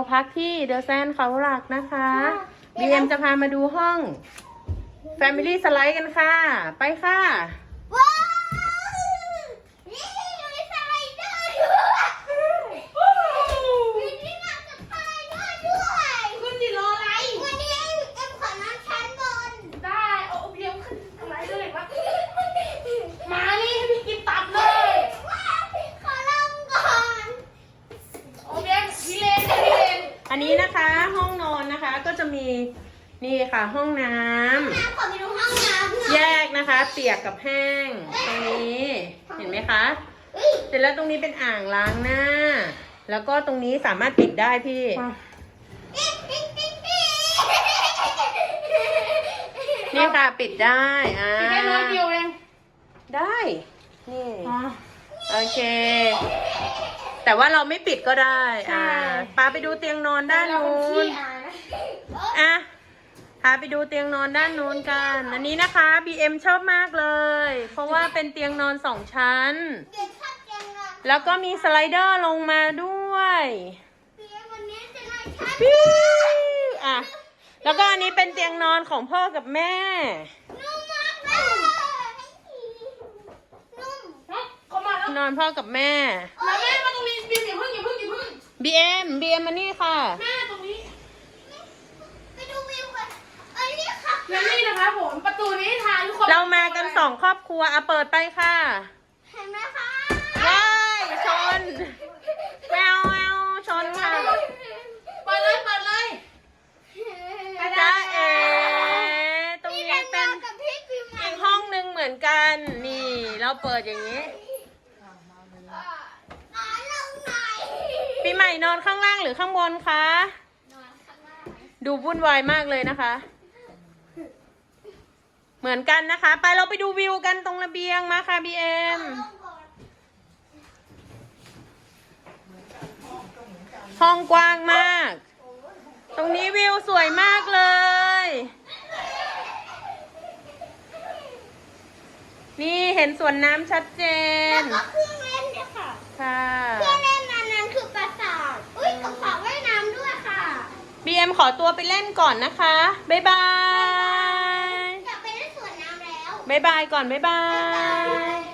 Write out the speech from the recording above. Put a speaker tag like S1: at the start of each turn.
S1: พักที่เดอะแซนเขาหลักนะคะBMจะพามาดูห้อง Family Slide กันค่ะไปค่ะ
S2: ว้าวนี่มีสไลเดอร์ด้วยมีที่นั่งสไลเดอร์ด้วยคุณจิรออะไรวันนี้เอ็มขอนอนชั้นบนได้เอาเบียมขึ้นสไลเดอร์เลยวะมานี่ให้พี่กินตับเลยขอลองก่อนโอเบียมพี่เลน
S1: อันนี้นะคะห้องนอนนะคะก็จะมีนี่ค่ะห้องน้ำ
S2: ขอไปดูห้องน้ำ
S1: แยกนะคะเปียกกับแห้งตรงนี้เห็นไหมคะเสร็จแล้วตรงนี้เป็นอ่างล้างหน้าแล้วก็ตรงนี้สามารถปิดได้พี่นี่ค่ะปิดได้
S2: ปิดได้น้อยเดียวเอง
S1: ได้นี่โอเคแต่ว่าเราไม่ปิดก็ได้ปาไปดูเตียงนอนด้านนู้นพาไปดูเตียงนอนด้านนู้นกันอันนี้นะคะ BM ชอบมากเลยเพราะว่าเป็นเตียงนอน2 ชั้นแล้วก็มีสไลเดอร์ลงมาด้วยแล้วก็อันนี้เป็นเตียงนอนของพ่อกับแม่นอนพ่อกับแม่
S2: แล้วแม่มาตรงนี้บีมอย่าเพิ่ง
S1: BMมานี่ค่ะ
S2: แม่ตรงนี้ไปดูวิวกันนี่ค่ะแล้วนี่นะคะผมประตูนี้ทางทุกคน
S1: เรามากัน2 ครอบครัวเปิดไปค่ะ
S2: เห็นไหมคะ
S1: ว้ายชนแววชนค่ะ
S2: เปิดเลย
S1: จ้าเอ๋ตรงนี้เป็นอีกห้องนึงเหมือนกันนี่เราเปิดอย่างนี้ปีใหม่นอนข้างล่างหรือข้างบนคะดูวุ่นวายมากเลยนะคะเหมือนกันนะคะไปเราไปดูวิวกันตรงระเบียงมาค่ะBMห้องกว้างมากตรงนี้วิวสวยมากเลยนี่เห็นสวนน้ำชัดเจน
S2: แล้วก็เครื่องเล่นเนี่ยค่ะเครื่องเล่นนั้นคือปราสาทกับสระว่ายน้ำด้วยค่ะ
S1: BM ขอตัวไปเล่นก่อนนะคะบ๊ายบาย
S2: อยากไปเล่นสวนน้ำแล้ว
S1: บ๊ายบายก่อนบ๊ายบาย